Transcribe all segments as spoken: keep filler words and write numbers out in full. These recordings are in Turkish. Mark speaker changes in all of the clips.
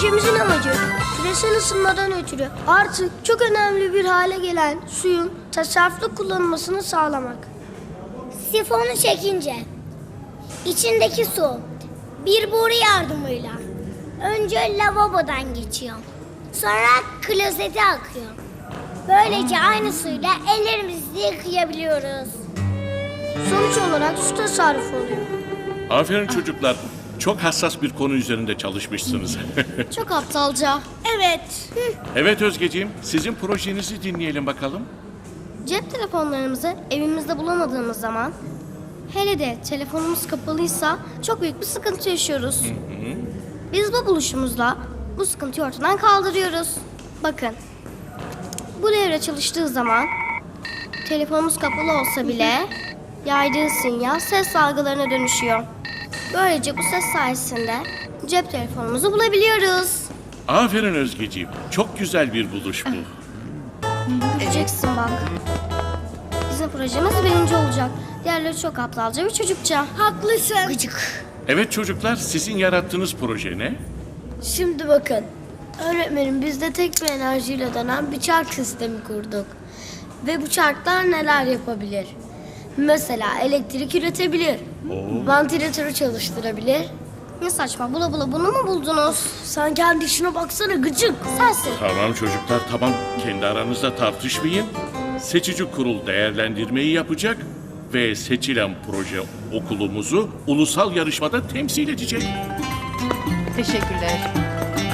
Speaker 1: Projemizin amacı küresel ısınmadan ötürü artık çok önemli bir hale gelen suyun tasarruflu kullanılmasını sağlamak.
Speaker 2: Sifonu çekince içindeki su bir boru yardımıyla önce lavabodan geçiyor. Sonra klozete akıyor. Böylece aynı suyla ellerimizi yıkayabiliyoruz.
Speaker 1: Sonuç olarak su tasarrufu oluyor.
Speaker 3: Aferin çocuklar. Çok hassas bir konu üzerinde çalışmışsınız.
Speaker 1: Çok aptalca.
Speaker 2: Evet.
Speaker 3: Evet Özgeciğim, sizin projenizi dinleyelim bakalım.
Speaker 1: Cep telefonlarımızı evimizde bulamadığımız zaman, hele de telefonumuz kapalıysa çok büyük bir sıkıntı yaşıyoruz. Biz bu buluşumuzla bu sıkıntıyı ortadan kaldırıyoruz. Bakın, bu devre çalıştığı zaman telefonumuz kapalı olsa bile yaydığı sinyal ses dalgalarına dönüşüyor. Böylece bu ses sayesinde cep telefonumuzu bulabiliyoruz.
Speaker 3: Aferin Özgeciğim. Çok güzel bir buluş bu.
Speaker 1: Göreceksin bak. Bizim projemiz birinci olacak. Diğerleri çok aptalca ve çocukça.
Speaker 2: Haklısın.
Speaker 1: Gıcık.
Speaker 3: Evet çocuklar, sizin yarattığınız proje ne?
Speaker 1: Şimdi bakın. Öğretmenim biz de tek bir enerjiyle dönen bir çark sistemi kurduk. Ve bu çarklar neler yapabilir? Mesela elektrik üretebilir. Vantilatörü çalıştırabilir. Ne saçma, bula bula bunu mu buldunuz? Sen kendi işine baksana gıcık. Sensin.
Speaker 3: Tamam çocuklar, tamam. Kendi aranızda tartışmayın. Seçici kurul değerlendirmeyi yapacak ve seçilen proje okulumuzu ulusal yarışmada temsil edecek.
Speaker 4: Teşekkürler.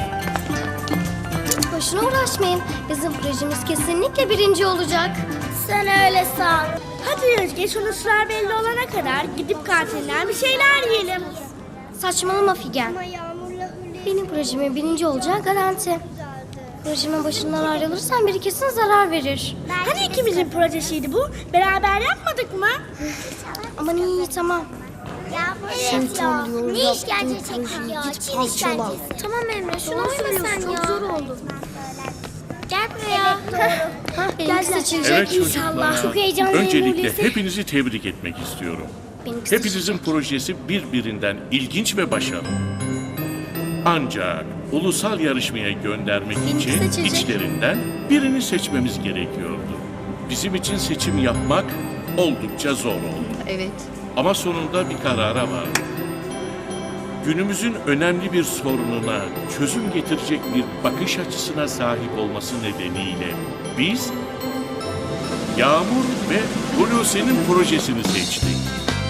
Speaker 1: Boşuna uğraşmayın. Bizim projemiz kesinlikle birinci olacak.
Speaker 2: Sen öyle san. Hadi Özge, sonuçlar belli olana kadar gidip kantinden bir şeyler yiyelim.
Speaker 1: Saçmalama Figen. Benim projemin birinci olacağı garanti. Projemin başından ayrılırsan biri kesin zarar verir.
Speaker 2: Hani ikimizin projesiydi bu? Beraber yapmadık mı?
Speaker 1: Aman iyi iyi tamam.
Speaker 2: Evet ya. Ne işkence çektik ya. Çin işkencesi.
Speaker 1: Tamam Emre şunu
Speaker 2: Doğru
Speaker 1: söylüyorsun
Speaker 2: söylüyorsun,
Speaker 1: çok
Speaker 2: ya.
Speaker 1: zor oldu.
Speaker 2: Gel buraya.
Speaker 1: Hah benimki seçilecek
Speaker 3: Evet
Speaker 1: inşallah.
Speaker 3: çocuklar,
Speaker 2: Çok heyecanlıyım
Speaker 3: öncelikle
Speaker 2: Hulusi.
Speaker 3: hepinizi tebrik etmek istiyorum.
Speaker 1: Benimki
Speaker 3: Hepinizin projesi birbirinden ilginç ve başarılı. Ancak ulusal yarışmaya göndermek
Speaker 1: Benimki
Speaker 3: için
Speaker 1: seçilecek.
Speaker 3: içlerinden birini seçmemiz gerekiyordu. Bizim için seçim yapmak oldukça zor oldu.
Speaker 4: Evet.
Speaker 3: Ama sonunda bir karara vardık. Günümüzün önemli bir sorununa çözüm getirecek bir bakış açısına sahip olması nedeniyle biz Yağmur ve Hulusi'nin projesini seçtik.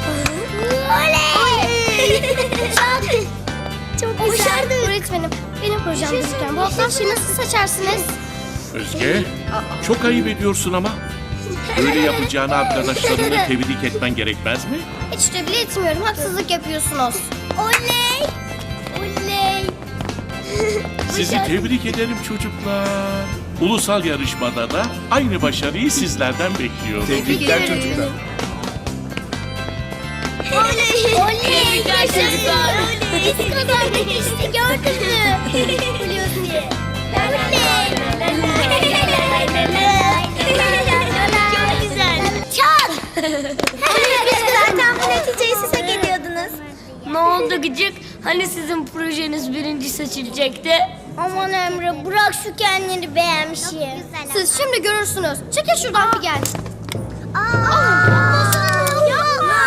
Speaker 2: Oley!
Speaker 1: Çok güzel. Öğretmenim benim projem gözüken bu hafta şeyi nasıl seçersiniz?
Speaker 3: Özge, çok ayıp ediyorsun ama. Böyle yapacağını arkadaşlarını tebrik etmen gerekmez mi?
Speaker 1: Hiç de bile etmiyorum. Haksızlık yapıyorsunuz.
Speaker 2: Oley! Oley!
Speaker 3: Sizi tebrik ederim çocuklar. Ulusal yarışmada da aynı başarıyı sizlerden bekliyorum.
Speaker 4: Tebrikler çocuklar.
Speaker 2: Oley! Oley! Çocuklar. Biz kazandık işte, gördün mü? Hulusi. Oley! Çok güzel. Çal! Zaten bu neticeyi siz hak ediyordunuz.
Speaker 1: Ne oldu gıcık? Hani sizin projeniz birinci seçilecekti?
Speaker 2: Aman Emre, bırak şu kendini beğenmişim.
Speaker 1: Siz şimdi görürsünüz. Çekil şuradan Figen.
Speaker 2: Aa! Yapma!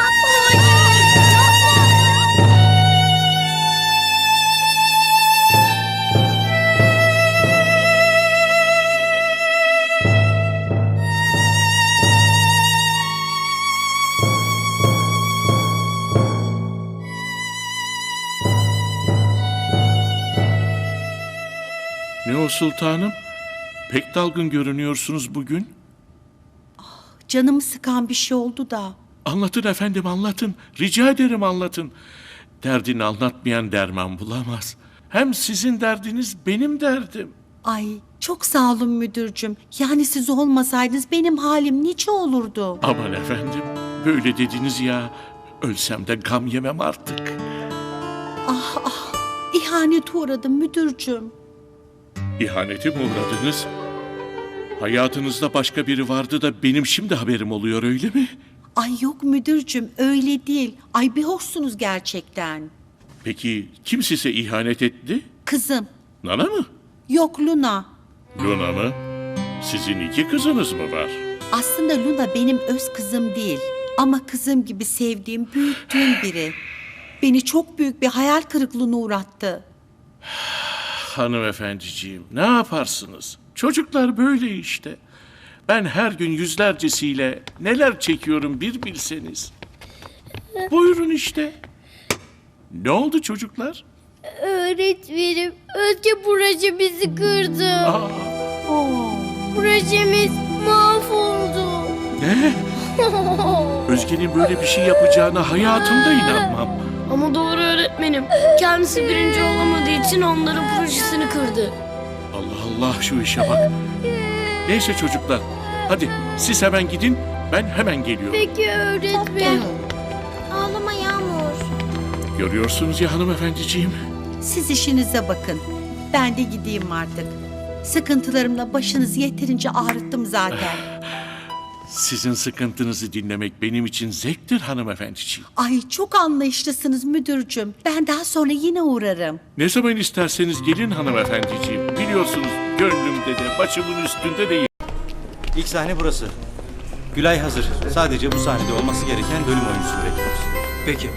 Speaker 3: Ne o sultanım? Pek dalgın görünüyorsunuz bugün.
Speaker 5: Canımı sıkan bir şey oldu da.
Speaker 3: Anlatın efendim anlatın. Rica ederim anlatın. Derdini anlatmayan derman bulamaz. Hem sizin derdiniz benim derdim.
Speaker 5: Ay çok sağ olun müdürcüm. Yani siz olmasaydınız benim halim nice olurdu.
Speaker 3: Aman efendim böyle dediniz ya. Ölsem de gam yemem artık.
Speaker 5: Ah ah ihanete uğradım müdürcüm.
Speaker 3: İhanete mi uğradınız? Hayatınızda başka biri vardı da benim şimdi haberim oluyor öyle mi?
Speaker 5: Ay yok müdürcüm öyle değil. Ay bir hoşsunuz gerçekten.
Speaker 3: Peki kim size ihanet etti?
Speaker 5: Kızım
Speaker 3: Nana mı?
Speaker 5: Yok Luna.
Speaker 3: Luna mı? Sizin iki kızınız mı var?
Speaker 5: Aslında Luna benim öz kızım değil. Ama kızım gibi sevdiğim, büyüttüğüm biri. Beni çok büyük bir hayal kırıklığına uğrattı.
Speaker 3: Hanımefendiciğim, ne yaparsınız? Çocuklar böyle işte. Ben her gün yüzlercesiyle neler çekiyorum bir bilseniz. Buyurun işte. Ne oldu çocuklar?
Speaker 1: Öğretmenim, Özge projemizi kırdı.
Speaker 3: Aa,
Speaker 5: Oo.
Speaker 1: Projemiz mahvoldu.
Speaker 3: ne? Özge'nin böyle bir şey yapacağına hayatımda inanmam.
Speaker 2: Ama doğru öğretmenim. Kendisi birinci olamadığı için onların projesini kırdı.
Speaker 3: Allah Allah, şu işe bak. Neyse çocuklar, hadi siz hemen gidin, ben hemen geliyorum.
Speaker 1: Peki öğretmenim. Ağlama Yağmur.
Speaker 3: Görüyorsunuz ya hanımefendiciğim.
Speaker 5: Siz işinize bakın. Ben de gideyim artık. Sıkıntılarımla başınızı yeterince ağrıttım zaten.
Speaker 3: Sizin sıkıntınızı dinlemek benim için zevktir hanımefendiciğim.
Speaker 5: Ay çok anlayışlısınız müdürcüm. Ben daha sonra yine uğrarım.
Speaker 3: Ne zaman isterseniz gelin hanımefendiciğim. Biliyorsunuz gönlümde de başımın üstünde de.
Speaker 4: İlk sahne burası. Gülay hazır. Sadece bu sahnede olması gereken bölüm oyuncusunu bekliyoruz.
Speaker 6: Peki.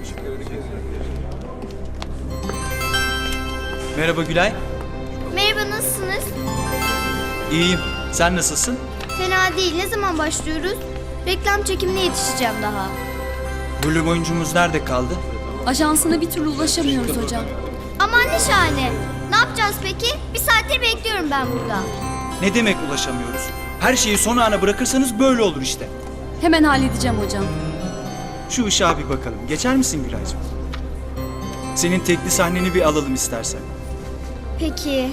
Speaker 6: Merhaba Gülay.
Speaker 1: Merhaba, nasılsınız?
Speaker 6: İyiyim. Sen nasılsın?
Speaker 1: Fena değil. Ne zaman başlıyoruz? Reklam çekimine yetişeceğim daha.
Speaker 6: Bölüm oyuncumuz nerede kaldı?
Speaker 7: Ajansına bir türlü ulaşamıyoruz hocam.
Speaker 1: Aman ne şahane. Ne yapacağız peki? Bir saattir bekliyorum ben burada.
Speaker 6: Ne demek ulaşamıyoruz? Her şeyi son ana bırakırsanız böyle olur işte.
Speaker 7: Hemen halledeceğim hocam.
Speaker 6: Şu ışığa bir bakalım. Geçer misin Gülaycığım? Senin tekli sahneni bir alalım istersen.
Speaker 1: Peki.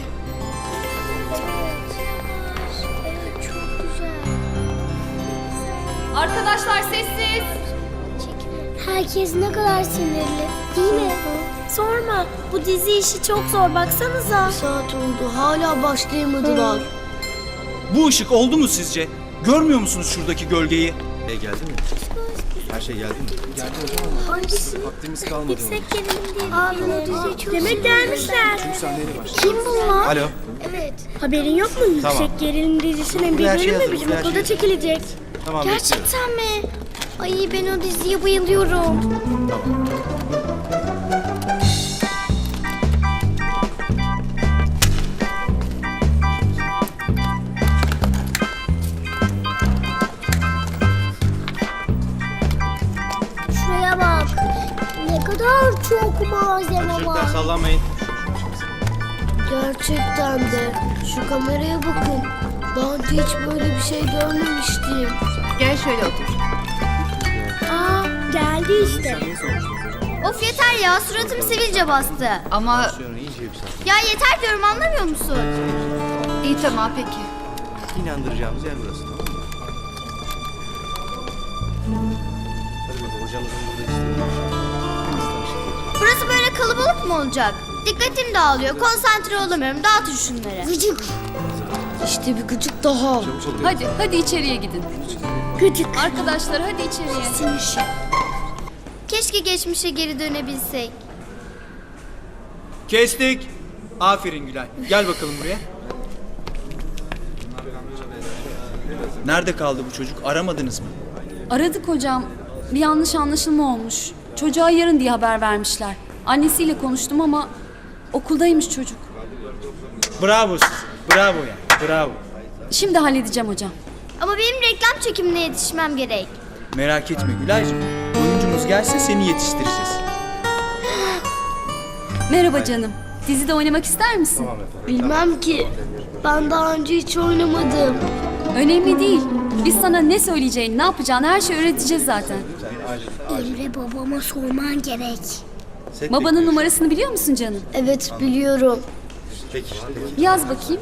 Speaker 7: Arkadaşlar sessiz.
Speaker 2: Herkes ne kadar sinirli. Değil mi? Sorma. Bu dizi işi çok zor. Baksanıza. Bir saat oldu. Hala başlayamadılar.
Speaker 6: Bu ışık oldu mu sizce? Görmüyor musunuz şuradaki gölgeyi?
Speaker 4: E geldi mi? Her şey geldi mi?
Speaker 2: Hangisi?
Speaker 4: Vaktimiz kalmadı.
Speaker 2: Yüksek gerilim diye. Abi o dizi çok Demek gelmişler. Kim bunlar?
Speaker 4: Alo.
Speaker 2: Evet. Haberin yok mu?
Speaker 4: Tamam.
Speaker 2: Yüksek gerilim dizisinin bir
Speaker 4: Buraya her şey
Speaker 2: bölümü
Speaker 4: hazır,
Speaker 2: bizim
Speaker 4: buraya her
Speaker 2: okulda
Speaker 4: şey hazır.
Speaker 2: çekilecek.
Speaker 4: Tamam bekliyorum.
Speaker 1: Gerçekten mi? Ay ben o diziye bayılıyorum.
Speaker 2: Şuraya bak. Ne kadar çok malzeme
Speaker 4: Çocuklar
Speaker 2: var.
Speaker 4: sallanmayın.
Speaker 2: Gerçekten de. Şu kameraya bakın. Daha önce hiç böyle bir şey görmemiştim.
Speaker 7: Gel şöyle otur.
Speaker 2: Aa, geldi işte.
Speaker 1: Of yeter ya, suratım sivilce bastı.
Speaker 7: Ama
Speaker 4: Şöyle iyice yükselt.
Speaker 1: Ya yeter diyorum, anlamıyor musun?
Speaker 7: iyi tamam peki.
Speaker 4: İnandıracağımız yer burası. Tamam mı? Hadi bakalım hocamızın burada istediği
Speaker 1: Burası böyle kalabalık mı olacak? Dikkatim dağılıyor, konsantre olamıyorum. Dağıtın şunları.
Speaker 2: Gıcık. İşte bir gıcık daha.
Speaker 7: Hadi hadi içeriye gidin.
Speaker 2: Gıcık.
Speaker 7: Arkadaşlar hadi içeriye.
Speaker 2: Sinir.
Speaker 1: Keşke geçmişe geri dönebilsek.
Speaker 6: Kestik. Aferin Gülay. Gel bakalım buraya. Nerede kaldı bu çocuk? Aramadınız mı?
Speaker 7: Aradık hocam. Bir yanlış anlaşılma olmuş. Çocuğa yarın diye haber vermişler. Annesiyle konuştum ama okuldaymış çocuk.
Speaker 6: Bravo size. Bravo ya. Bravo.
Speaker 1: Şimdi halledeceğim hocam. Ama benim reklam çekimine yetişmem gerek.
Speaker 6: Merak etme Gülaycığım. Oyuncumuz gelsin seni yetiştireceğiz.
Speaker 7: Merhaba canım. Dizide oynamak ister misin?
Speaker 2: Bilmem ki. Ben daha önce hiç oynamadım.
Speaker 7: Önemli değil. Biz sana ne söyleyeceğini, ne yapacağını her şeyi öğreteceğiz zaten.
Speaker 2: Emre babama sorman gerek.
Speaker 4: Set
Speaker 7: Babanın
Speaker 4: bekliyoruz.
Speaker 7: numarasını biliyor musun canım?
Speaker 2: Evet biliyorum.
Speaker 4: Peki. Peki.
Speaker 7: Yaz bakayım.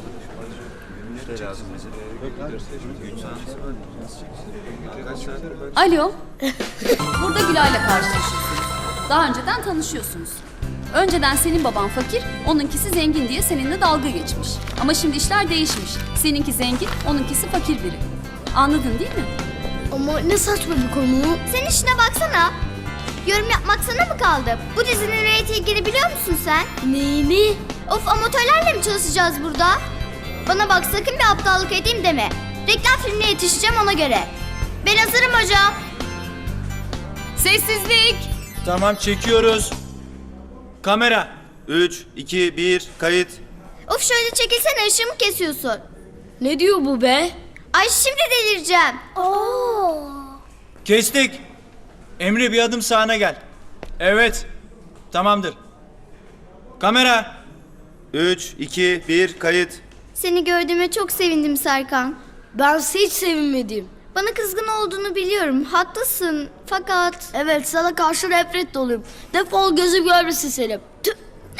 Speaker 7: Alo. Burada Gülay'la karşılaşıyorsunuz. Daha önceden tanışıyorsunuz. Önceden senin baban fakir, onunkisi zengin diye seninle dalga geçmiş. Ama şimdi işler değişmiş. Seninki zengin, onunkisi fakir biri. Anladın değil mi?
Speaker 2: Ama ne saçma bir konu.
Speaker 1: Sen işine baksana. Yorum yapmak sana mı kaldı? Bu dizinin reytingini biliyor musun sen?
Speaker 2: Neyini?
Speaker 1: Of, amatörlerle mi çalışacağız burada? Bana bak, sakın bir aptallık edeyim deme. Reklam filmine yetişeceğim ona göre. Ben hazırım hocam.
Speaker 7: Sessizlik.
Speaker 6: Tamam, çekiyoruz. Kamera.
Speaker 4: üç, iki, bir, kayıt.
Speaker 1: Of, şöyle çekilsene, ışığımı kesiyorsun.
Speaker 2: Ne diyor bu be?
Speaker 1: Ay, şimdi delireceğim.
Speaker 2: Oo.
Speaker 6: Kestik. Emre, bir adım sağına gel. Evet. Tamamdır. Kamera.
Speaker 4: üç, iki, bir, kayıt.
Speaker 1: Seni gördüğüme çok sevindim Serkan.
Speaker 2: Ben hiç sevinmedim.
Speaker 1: Bana kızgın olduğunu biliyorum, haklısın. Fakat...
Speaker 2: Evet, sana karşı nefret doluyum. Defol, gözüm görmesin seni. Tüh.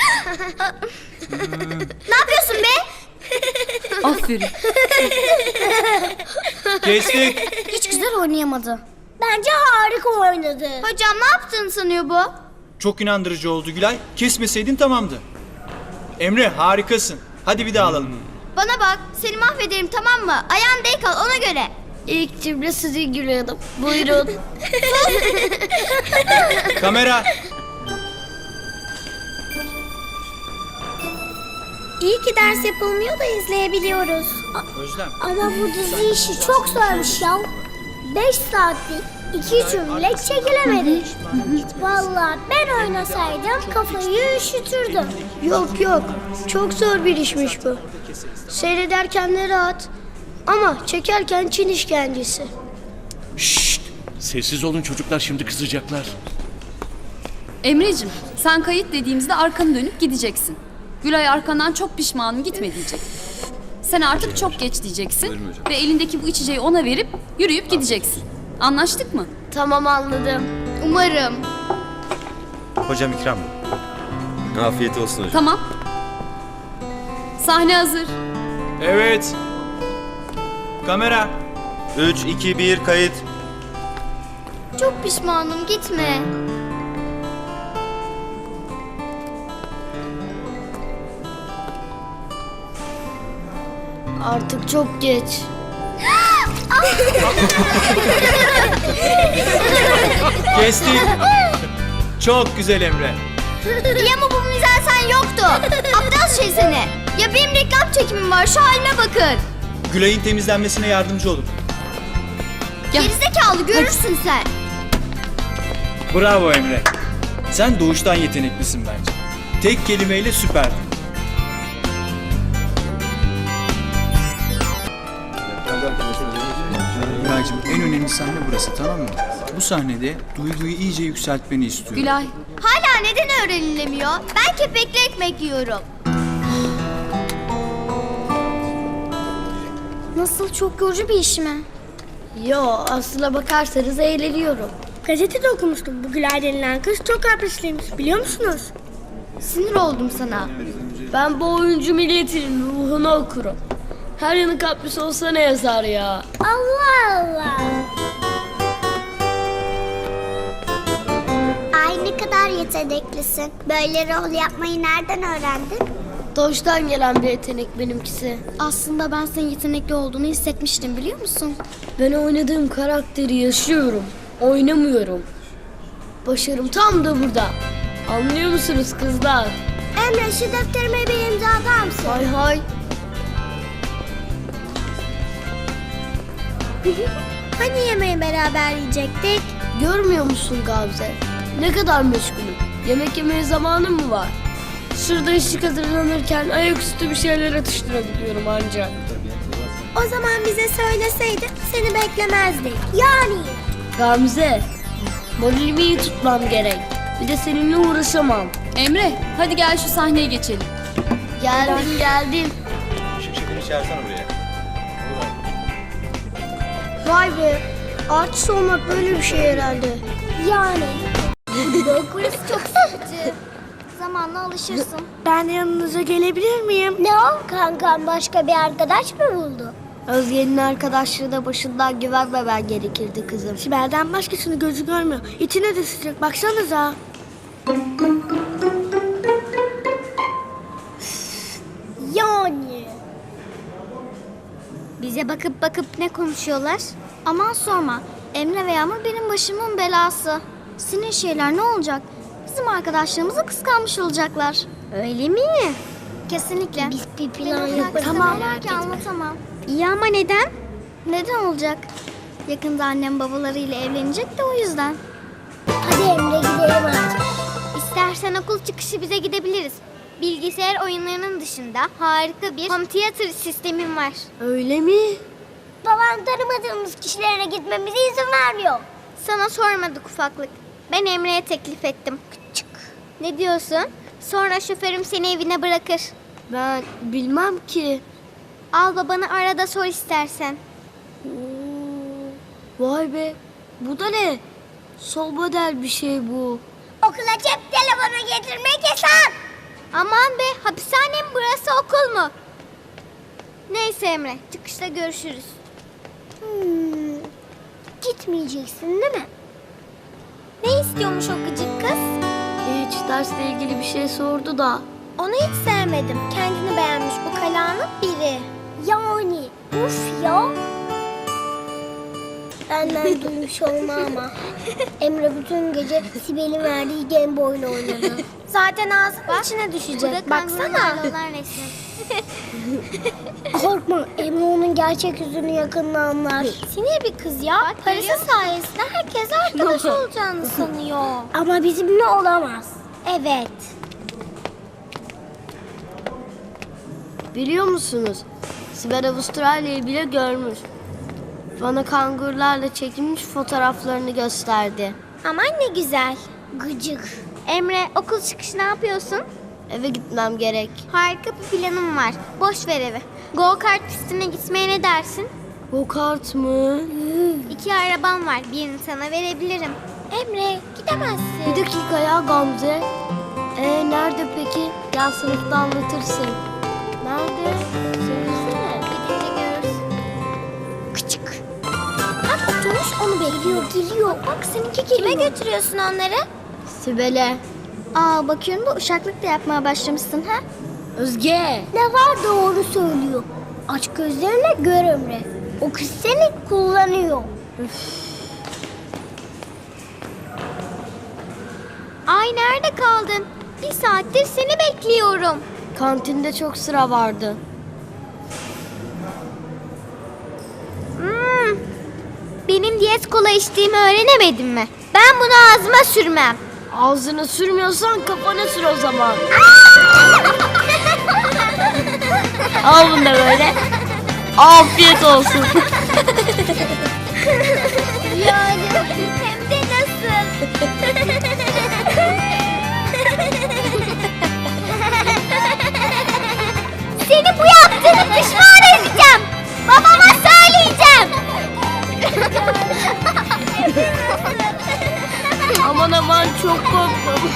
Speaker 1: Ne yapıyorsun be?
Speaker 7: Aferin.
Speaker 6: Kestik.
Speaker 1: Hiç güzel oynayamadı.
Speaker 2: Bence harika oynadı.
Speaker 1: Hocam, ne yaptığını sanıyor bu?
Speaker 6: Çok inandırıcı oldu Gülay. Kesmeseydin tamamdı. Emre, harikasın. Hadi bir daha alalım.
Speaker 1: Bana bak, seni mahvederim, tamam mı? Ayağın denk al, ona göre.
Speaker 2: İlk cümle sizin Gülay Hanım. Buyurun.
Speaker 6: Kamera.
Speaker 2: İyi ki ders yapılmıyor da izleyebiliyoruz.
Speaker 6: Özlem.
Speaker 2: Ama bu dizi işi çok zormuş ya. Beş saatlik iki cümle çekilemedi. Vallahi ben oynasaydım kafayı üşütürdüm. Yok yok, çok zor bir işmiş bu. Seyrederken de rahat ama çekerken Çin işkencesi.
Speaker 3: Şşt! Sessiz olun çocuklar, şimdi kızacaklar.
Speaker 7: Emreciğim, sen kayıt dediğimizde arkanı dönüp gideceksin. Gülay arkandan çok pişmanım gitme diyecek. Sen artık çok geç diyeceksin ve elindeki bu içeceği ona verip yürüyüp gideceksin. Anlaştık mı?
Speaker 2: Tamam, anladım.
Speaker 1: Umarım.
Speaker 4: Hocam ikram. Afiyet olsun hocam.
Speaker 7: Tamam. Sahne hazır.
Speaker 6: Evet. Kamera.
Speaker 4: üç, iki, bir, kayıt.
Speaker 1: Çok pişmanım, gitme.
Speaker 2: Artık çok geç.
Speaker 6: Kestik. Çok güzel Emre.
Speaker 1: İyi ama bu mizansen yoktu. Aptal şey seni. Ya benim reklam çekimim var, şu halime bakın.
Speaker 6: Gülay'ın temizlenmesine yardımcı olun.
Speaker 7: Gel.
Speaker 1: Gerizekalı, görürsün sen.
Speaker 6: Bravo Emre. Sen doğuştan yeteneklisin bence. Tek kelimeyle süperdin. Gülay'cığım, en önemli sahne burası, tamam mı? Bu sahnede duyguyu iyice yükseltmeni istiyorum.
Speaker 7: Gülay,
Speaker 1: Hala neden öğrenilemiyor? Ben kepekli ekmek yiyorum. Nasıl, çok yorucu bir iş mi?
Speaker 2: Yo, aslına bakarsanız eğleniyorum. Gazetede okumuştum. Bu Gülay denilen kız çok kaprisliymiş. Biliyor musunuz?
Speaker 1: Sinir oldum sana.
Speaker 2: Ben bu oyuncu milletinin ruhunu okurum. Her yanı kapris olsa ne yazar ya? Allah Allah.
Speaker 8: Ay, ne kadar yeteneklisin. Böyle rol yapmayı nereden öğrendin?
Speaker 2: Doğuştan gelen bir yetenek benimkisi.
Speaker 1: Aslında ben senin yetenekli olduğunu hissetmiştim, biliyor musun?
Speaker 2: Ben oynadığım karakteri yaşıyorum. Oynamıyorum. Başarım tam da burada. Anlıyor musunuz kızlar?
Speaker 8: Emre, şu defterime bir imza atar mısın?
Speaker 2: Hay hay.
Speaker 8: Hani yemeği beraber yiyecektik?
Speaker 2: Görmüyor musun Gamze? Ne kadar meşgulüm. Yemek yemeye zamanım mı var? Şurada ışık hazırlanırken ayaküstü bir şeyler atıştırabiliyorum ancak.
Speaker 8: O zaman bize söyleseydin seni beklemezdik. Yani.
Speaker 2: Gamze, moralimi iyi tutmam gerek. Bir de seninle uğraşamam.
Speaker 7: Emre, hadi gel şu sahneye geçelim.
Speaker 2: Geldim geldim.
Speaker 4: Işık şefini çağırsana buraya.
Speaker 2: Vay be, artist olmak böyle bir şey herhalde.
Speaker 8: Yani. Burası çok sıkıcı. Zamanla alışırsın.
Speaker 2: Ben yanınıza gelebilir miyim?
Speaker 8: Ne o? Kankam başka bir arkadaş mı buldu?
Speaker 2: Özge'nin arkadaşlığı da başından güvenmemen gerekirdi kızım. Sibel'den başkasını gözü görmüyor. İçine de sıcak, baksanıza.
Speaker 8: Yani.
Speaker 1: Bize bakıp bakıp ne konuşuyorlar? Aman sorma. Emre ve Yağmur benim başımın belası. Sinir şeyler ne olacak? Bizim arkadaşlığımızı kıskanmış olacaklar. Öyle mi? Kesinlikle.
Speaker 2: Biz bir plan yaparız.
Speaker 1: Tamam.
Speaker 2: Merak etme.
Speaker 1: Anlatamam. İyi ama neden? Neden olacak? Yakında annem babalarıyla evlenecek de o yüzden.
Speaker 2: Hadi Emre gidelim artık.
Speaker 1: İstersen okul çıkışı bize gidebiliriz. Bilgisayar oyunlarının dışında harika bir home theater sistemim var.
Speaker 2: Öyle mi? Babam tanımadığımız kişilere gitmemize izin vermiyor.
Speaker 1: Sana sormadık ufaklık. Ben Emre'ye teklif ettim. Küçük. Ne diyorsun? Sonra şoförüm seni evine bırakır.
Speaker 2: Ben bilmem ki.
Speaker 1: Al babanı arada sor istersen.
Speaker 2: Vay be. Bu da ne? Sol model bir şey bu.
Speaker 8: Okula cep telefonu getirmek yasak.
Speaker 1: Aman be, hapishane mi burası, okul mu? Neyse Emre, çıkışta görüşürüz.
Speaker 2: Hmm. Gitmeyeceksin değil mi?
Speaker 1: Ne istiyormuş o gıcık kız?
Speaker 2: Hiç dersle ilgili bir şey sordu da.
Speaker 1: Onu hiç sevmedim. Kendini beğenmiş bu kalanın biri.
Speaker 2: Yani uf ya. Benden duymuş olma ama. Emre bütün gece Sibel'in verdiği Game Boy'la oynadı.
Speaker 1: Zaten ağzının içine düşecek. Baksana.
Speaker 2: Korkma, Emre onun gerçek yüzünü yakında anlar.
Speaker 1: Sinir bir kız ya. Parası sayesinde herkes arkadaş olacağını sanıyor.
Speaker 2: Ama bizimle olamaz.
Speaker 1: Evet.
Speaker 2: Biliyor musunuz? Sibel Avustralya'yı bile görmüş. Bana kangurlarla çekilmiş fotoğraflarını gösterdi.
Speaker 1: Aman ne güzel.
Speaker 2: Gıcık.
Speaker 1: Emre, okul çıkışı ne yapıyorsun?
Speaker 2: Eve gitmem gerek.
Speaker 1: Harika bir planım var. Boş ver evi. Go kart pistine gitmeye ne dersin?
Speaker 2: Go kart mı?
Speaker 1: İki arabam var. Birini sana verebilirim. Emre, gidemezsin.
Speaker 2: Bir dakika ya Gamze. Ee nerede peki? Gel sınıfta anlatırsın. Nerede? Söylesene.
Speaker 1: Gidince görürsün.
Speaker 2: Küçük. Bak oturmuş onu bekliyor. Geliyor. Bak seninki geliyor.
Speaker 1: Kime götürüyorsun onları?
Speaker 2: Sibel'e.
Speaker 1: Aa, bakıyorum da uşaklık da yapmaya başlamışsın ha?
Speaker 2: Özge. Ne var doğru söylüyor. Aç gözlerine gör Emre. O kız seni kullanıyor.
Speaker 1: Ay, nerede kaldın? Bir saattir seni bekliyorum.
Speaker 2: Kantinde çok sıra vardı.
Speaker 1: Hmm. Benim diyet kola içtiğimi öğrenemedin mi? Ben bunu ağzıma sürmem.
Speaker 2: Ağzına sürmüyorsan kafana sür o zaman. Al bunu da böyle. Afiyet olsun.
Speaker 1: Yani hem de nasıl? Seni bu yaptığını pişman edeceğim. Babama söyleyeceğim.
Speaker 2: Aman aman çok korktum.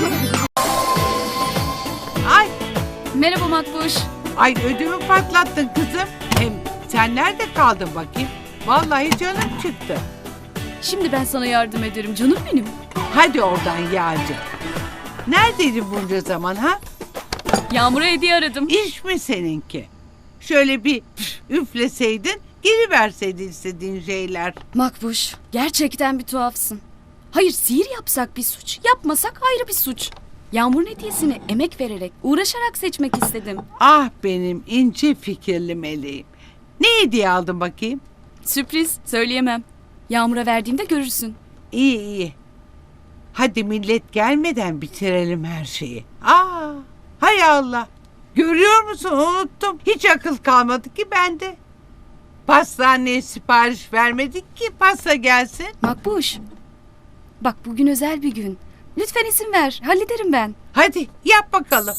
Speaker 9: Ay,
Speaker 7: Merhaba Makbuş.
Speaker 9: ay ödümü patlattın kızım. Hem sen nerede kaldın bakayım? Vallahi canım çıktı.
Speaker 7: Şimdi ben sana yardım ederim canım benim.
Speaker 9: Hadi oradan Yağcı. Neredeydin bunca zaman ha?
Speaker 7: Yağmur'a hediye aradım.
Speaker 9: İş mi seninki? Şöyle bir üfleseydin, geri verseydin istediğin şeyler.
Speaker 7: Makbuş, gerçekten bir tuhafsın. Hayır, sihir yapsak bir suç, yapmasak ayrı bir suç. Yağmur'un hediyesini emek vererek, uğraşarak seçmek istedim.
Speaker 9: Ah benim ince fikirli meleğim. Ne hediye aldın bakayım?
Speaker 7: Sürpriz, söyleyemem. Yağmur'a verdiğimde görürsün.
Speaker 9: İyi iyi. Hadi millet gelmeden bitirelim her şeyi. Aa, hay Allah. Görüyor musun, unuttum. Hiç akıl kalmadı ki bende. Pastaneye sipariş vermedik ki pasta gelsin.
Speaker 7: Makbuş, bak bugün özel bir gün. Lütfen izin ver, hallederim ben.
Speaker 9: Hadi yap bakalım.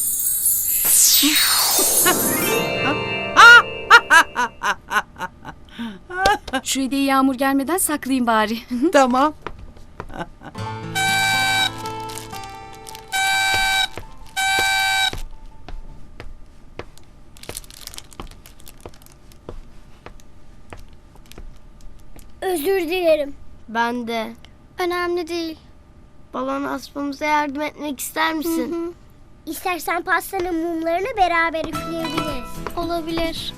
Speaker 7: Şu hediyeyi Yağmur gelmeden saklayayım bari.
Speaker 9: Tamam.
Speaker 2: Özür dilerim. Ben de.
Speaker 1: Önemli değil.
Speaker 2: Balon asmamıza yardım etmek ister misin? İstersen pastanın mumlarını beraber üfleyebiliriz.
Speaker 1: Olabilir.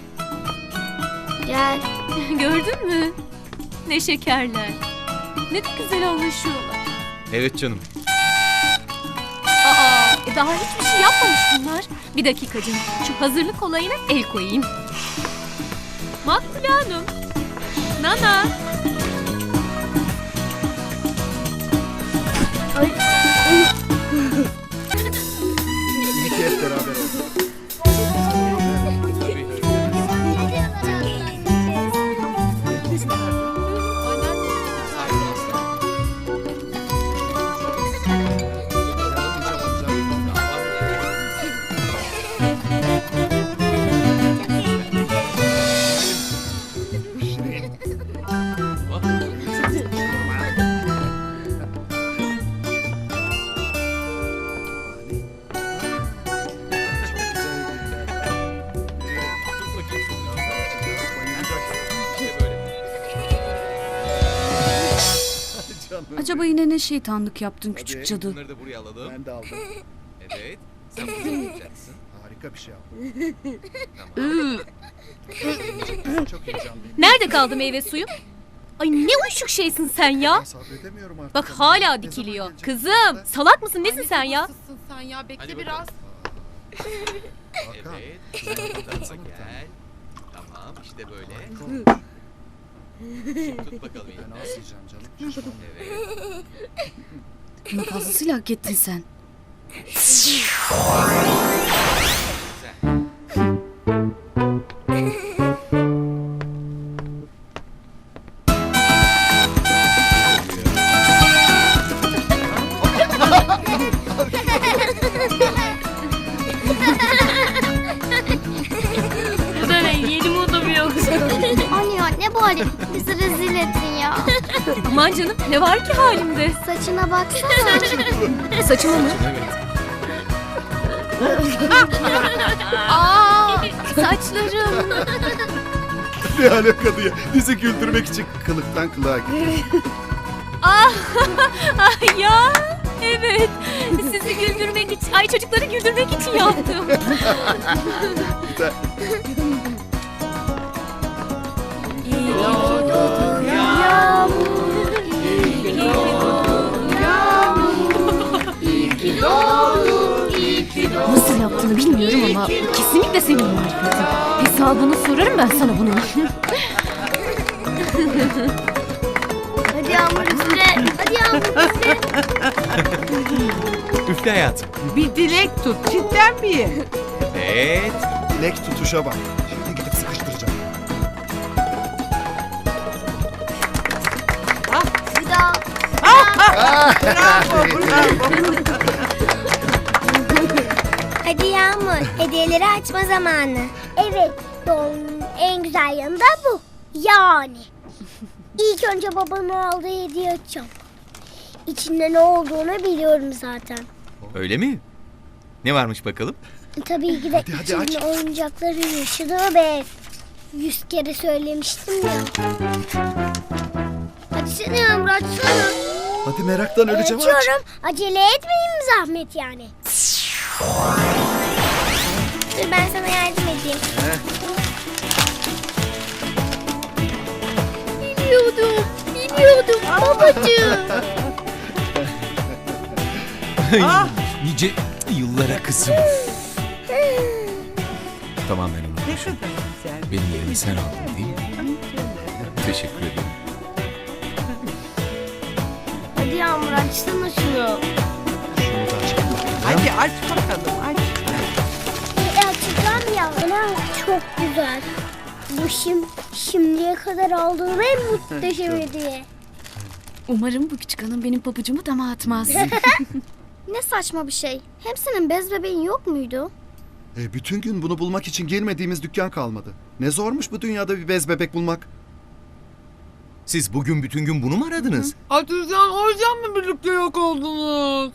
Speaker 2: Gel.
Speaker 7: Gördün mü? Ne şekerler. Ne de güzel anlaşıyorlar.
Speaker 10: Evet canım.
Speaker 7: Aa, e daha hiçbir şey yapmamış bunlar.
Speaker 10: Bir dakika canım. Şu hazırlık olayına el koyayım. Makbule Hanım. Nana.
Speaker 11: hep beraber oldu.
Speaker 7: Acaba yine ne şeytanlık yaptın küçük cadı?
Speaker 11: Bunları da buraya alalım. Ben de aldım. Evet. Sen bunu yapacaksın. Harika bir şey yaptın. Tamam. Çok heyecanlıyım.
Speaker 10: Nerede kaldı meyve suyum? Ay ne uyuşuk şeysin sen ya.
Speaker 11: Sabredemiyorum artık.
Speaker 10: Bak hala dikiliyor. Kızım salak mısın nesin sen ya?
Speaker 12: Sen ya bekle biraz.
Speaker 11: Hakan. Evet. Gel. Tamam işte böyle. Şimdi tut bakalım. Ben nasıl yiyeceğim canım? Evet.
Speaker 7: Bunu fazlasıyla hak ettin sen.
Speaker 1: Anne ya ne bu halin? Bizi rezil ettin ya.
Speaker 10: Aman canım ne var ki halimde?
Speaker 1: Saçına baksana.
Speaker 10: Saçıma mı? Aa, saçlarım.
Speaker 11: Ne alaka diye. Bizi güldürmek için kılıktan kılığa gitti.
Speaker 10: Ah, ay ya. Evet. Sizi güldürmek için, ay çocukları güldürmek için yaptım.
Speaker 11: Güzel.
Speaker 10: Nasıl yaptığını bilmiyorum ama kesinlikle senin marifetin. Hesabını sorarım ben sana bunun.
Speaker 1: Hadi Yağmur üfle. Hadi Yağmur üfle.
Speaker 4: Üfle hayatım.
Speaker 9: Bir dilek tut. Cidden miyim?
Speaker 4: Evet.
Speaker 11: Dilek tutuşa bak. Şimdi gidip sıkıştıracağım.
Speaker 1: Bir daha.
Speaker 9: Bravo, bravo.
Speaker 8: Hadi Yağmur, hediyeleri açma zamanı. Evet, doğum gününün en güzel yanı da bu. Yani. İlk önce babamın aldığı hediye açacağım. İçinde ne olduğunu biliyorum zaten.
Speaker 4: Öyle mi? Ne varmış bakalım?
Speaker 8: Tabii ki de
Speaker 11: Hadi, hadi aç.
Speaker 8: içinde oyuncakların yaşadığı bir ev. Yüz kere söylemiştim ya.
Speaker 1: Hadi seni Yağmur açsana.
Speaker 11: Hadi meraktan öleceğim aç.
Speaker 8: Açıyorum. Acele etmeyin mi zahmet yani? Dur ben sana yardım edeyim.
Speaker 1: Biliyordum. Biliyordum babacığım.
Speaker 9: Ah.
Speaker 4: Nice yıllara kızım. Tamam ben onu.
Speaker 9: Ne kadar güzel.
Speaker 4: Benim yerimi sen aldın değil mi? Teşekkür ederim.
Speaker 1: Hadi Yağmur açsana şunu.
Speaker 11: Şunu da açalım.
Speaker 9: Hadi aç bakalım aç.
Speaker 8: E, açacağım ya. Ana çok güzel. Bu şim, şimdiye kadar aldığım en muhteşem hediye.
Speaker 7: Umarım bu küçük hanım benim pabucumu dama atmaz.
Speaker 1: Ne saçma bir şey. Hem senin bez bebeğin yok muydu?
Speaker 11: E, bütün gün bunu bulmak için girmediğimiz dükkan kalmadı. Ne zormuş bu dünyada bir bez bebek bulmak.
Speaker 4: Siz bugün bütün gün bunu mu aradınız?
Speaker 12: Atürcan o yüzden mi birlikte yok oldunuz?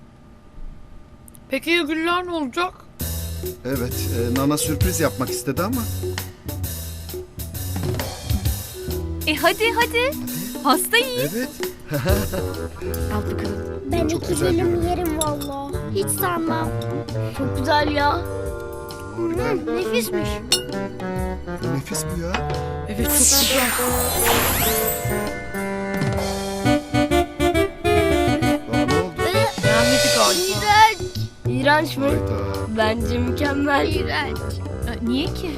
Speaker 12: Peki ya Güller ne olacak?
Speaker 11: Evet, e, Nana sürpriz yapmak istedi ama.
Speaker 10: E hadi hadi. Pasta yiyin.
Speaker 11: Evet.
Speaker 7: Al bakalım.
Speaker 8: Ben
Speaker 11: Çok
Speaker 8: iki
Speaker 11: güzel
Speaker 8: dilim
Speaker 11: görünüyor.
Speaker 8: yerim valla.
Speaker 1: Hiç sanmam. Çok güzel ya. Hı, nefismiş.
Speaker 11: Nefis bu ya.
Speaker 12: Evet çok güzel.
Speaker 11: Aa, ne oldu?
Speaker 12: Beğenmedi galiba.
Speaker 1: İğrenç. İğrenç mi?
Speaker 11: Hayda.
Speaker 1: Bence mükemmel.
Speaker 10: İğrenç. Niye ki?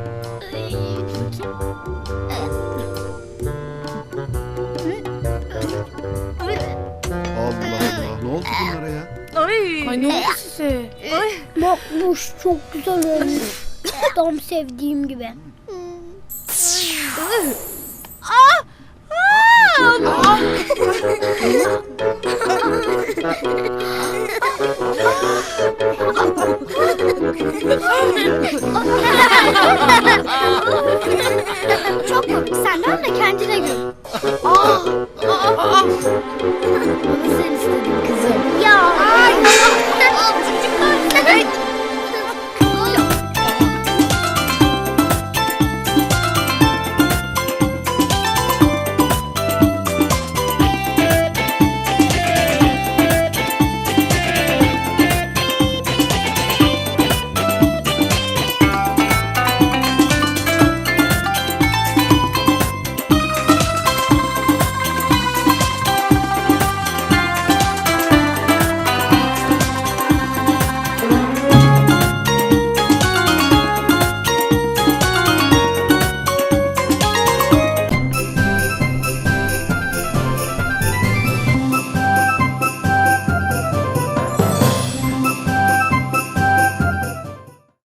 Speaker 11: Allah Allah. Ne oldu bunlara ya?
Speaker 10: Ay.
Speaker 12: Ay ne oldu size?
Speaker 2: Makbuş çok güzel olmuş. Tam sevdiğim gibi.
Speaker 1: Çok komik. Sen dön de kendine gül. Aa, aa, aa. Bunu sen istedin kızım.
Speaker 2: Ya.
Speaker 1: Ay, çocuklar.